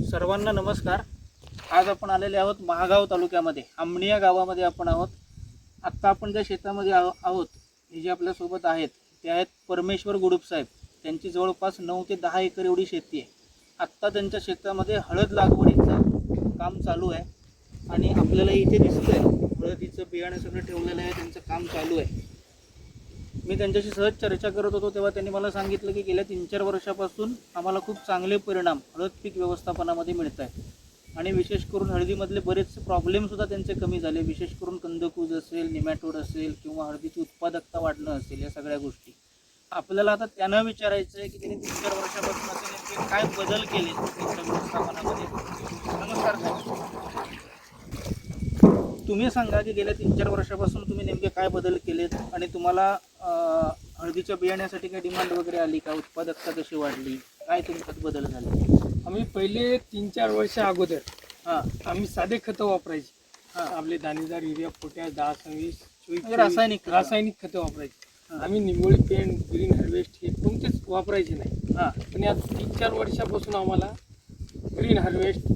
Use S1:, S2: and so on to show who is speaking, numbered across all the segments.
S1: सर्वांना नमस्कार। आज आपण आलेले आहोत महागाव तालुक्यामध्ये आमणी या गावामध्ये आपण आहोत। आत्ता आपण ज्या शेतामध्ये आहोत हे जे आपल्या सोबत आहेत ते आहेत परमेश्वर गुडुप साहेब। त्यांची जवळपास 9 ते 10 एकर एवढी शेती आहे। आत्ता त्यांच्या शेतामध्ये हळद लागवडीचं काम चालू आहे आणि आपल्याला इथे दिसतंय हळदीचं बियाणं सगळं ठेवलेलं आहे, त्यांचं काम चालू आहे। मी त्यांच्याशी सहज चर्चा करत होतो तेव्हा त्यांनी मला सांगितलं की गेल्या 3-4 वर्षापासून आम्हाला खूप चांगले परिणाम हळद पीक व्यवस्थापनामध्ये मिळत आहेत आणि विशेष करून हळदीमधले बरेच प्रॉब्लेमसुद्धा त्यांचे कमी झाले। विशेष करून कंदकूज असेल, निमॅटोड असेल किंवा हळदीची उत्पादकता वाढणं असेल, या सगळ्या गोष्टी आपल्याला आता त्यांना विचारायचं आहे की त्यांनी 3-4 वर्षापासून असे नेमके काय बदल केले त्यांच्या व्यवस्थापनामध्ये। नमस्कार साहेब, तुम्ही सांगा की गेल्या 3-4 वर्षापासून तुम्ही नेमके काय बदल केलेत आणि तुम्हाला हळदीच्या बियाण्यासाठी काय डिमांड वगैरे आली का, उत्पादकता कशी वाढली, काय तुमच्यात बदल झाले?
S2: आम्ही पहिले 3-4 वर्ष अगोदर आम्ही साधे खतं वापरायचे। आपले दाणेदार, युरिया, पोटॅश, 10-26 रासायनिक खतं वापरायचे। आम्ही निंबोळी पेंट, ग्रीन हार्वेस्ट हे कोणतेच वापरायचे नाही। पण या 3-4 वर्षापासून आम्हाला ग्रीन हार्वेस्ट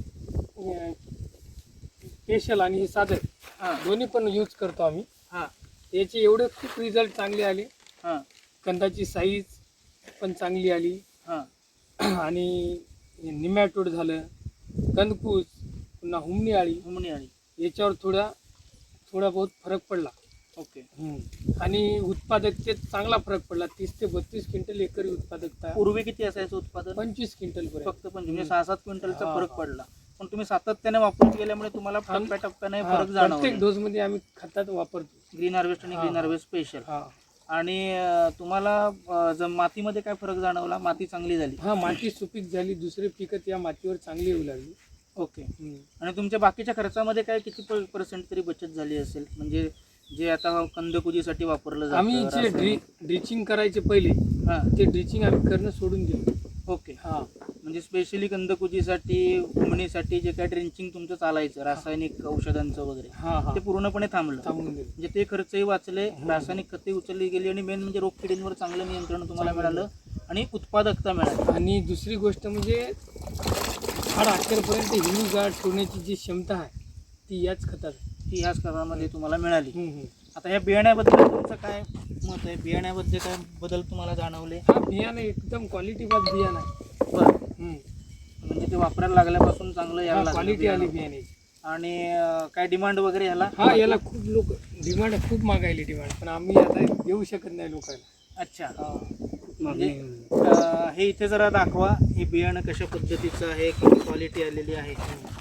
S2: स्पेशल आणि हे साधं दोन्ही पण यूज करतो आम्ही। याचे एवढे खूप रिझल्ट चांगले आले। कंदाची साईज पण चांगली आली आणि निमॅटोड झालं, कंदकूज, पुन्हा हुमणी आळी याच्यावर थोडा बहुत फरक पडला।
S1: ओके।
S2: आणि उत्पादकतेत चांगला फरक पडला। 30 ते 32 क्विंटल एकरी उत्पादकता।
S1: पूर्वी किती असायचं उत्पादन? 25
S2: क्विंटल
S1: फक्त 25, 6-7 क्विंटलचा फरक पडला। पण तुम्ही सातत्याने वापरत गेल्यामुळे तुम्हाला टप्प्याटप्प्याने फरक जाणवला।
S2: प्रत्येक डोस मध्ये आम्ही खतात वापरतो,
S1: ग्रीन हार्वेस्ट आणि ग्रीन हार्वेस्ट स्पेशल। आणि तुम्हाला मातीमध्ये काय फरक जाणवला? माती चांगली झाली?
S2: माती सुपीक झाली, दुसरे पिकं या मातीवर चांगली येऊ लागली।
S1: ओके। आणि तुमच्या बाकीच्या खर्चामध्ये काय किती % तरी बचत झाली असेल? म्हणजे जे आता कंदकुजीसाठी वापरलं जातं,
S2: आम्ही जे ड्रिचिंग करायचे पहिले ते ड्रिचिंग आम्ही करणं सोडून दिलं।
S1: ओके। म्हणजे स्पेशली कंदकुजीसाठी, हुमणीसाठी जे काय ड्रिंचिंग तुमचं चालायचं रासायनिक औषधांचं वगैरे ते पूर्णपणे थांबून दिलं। म्हणजे ते खर्चही वाचले, रासायनिक खते उचलली गेली आणि मेन म्हणजे रोगकिडींवर चांगलं नियंत्रण तुम्हाला मिळालं आणि उत्पादकता मिळाली। आणि
S2: दुसरी गोष्ट म्हणजे झाड अखेरपर्यंत हिरवीगार ठेवण्याची जी क्षमता आहे ती याच खतामध्ये तुम्हाला मिळाली। आता या बियाण्याबद्दल तुमचं काय मत आहे? बियाण्याबद्दल काय बदल तुम्हाला जाणवले? बियाणं एकदम क्वालिटी बाज बियाणं आहे।
S1: बरं, म्हणजे ते वापरायला लागल्यापासून चांगलं यायला
S2: क्वालिटी आली बियाण्याची।
S1: आणि काय डिमांड वगैरे याला?
S2: याला खूप लोक डिमांड खूप मागायली डिमांड, पण आम्ही आता देऊ शकत नाही लोकांना।
S1: अच्छा। म्हणजे हे इथे जरा दाखवा, हे बियाणं कशा पद्धतीचं आहे, किती क्वालिटी आलेली आहे।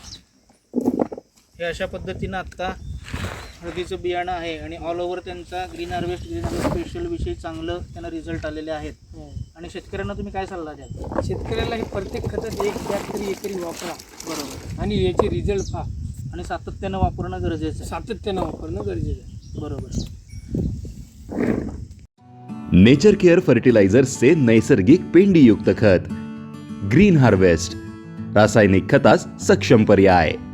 S1: हे अशा पद्धतीनं आत्ता हळदीचं बियाणं आहे आणि ऑल ओव्हर त्यांचा ग्रीन हार्वेस्ट स्पेशल विषयी चांगलं त्यांना रिझल्ट आलेले आहेत। आणि शेतकऱ्यांना तुम्ही काय सल्ला द्याल?
S2: शेतकऱ्याला हे प्रत्येक खतात 1 बॅग तरी एकरी वापरा। बरोबर। आणि याचे रिझल्ट पहा
S1: आणि सातत्यानं वापरणं गरजेचं आहे। बरोबर।
S3: नेचर केअर फर्टिलायझर्सचे नैसर्गिक पेंडीयुक्त खत ग्रीन हार्वेस्ट, रासायनिक खतास सक्षम पर्याय।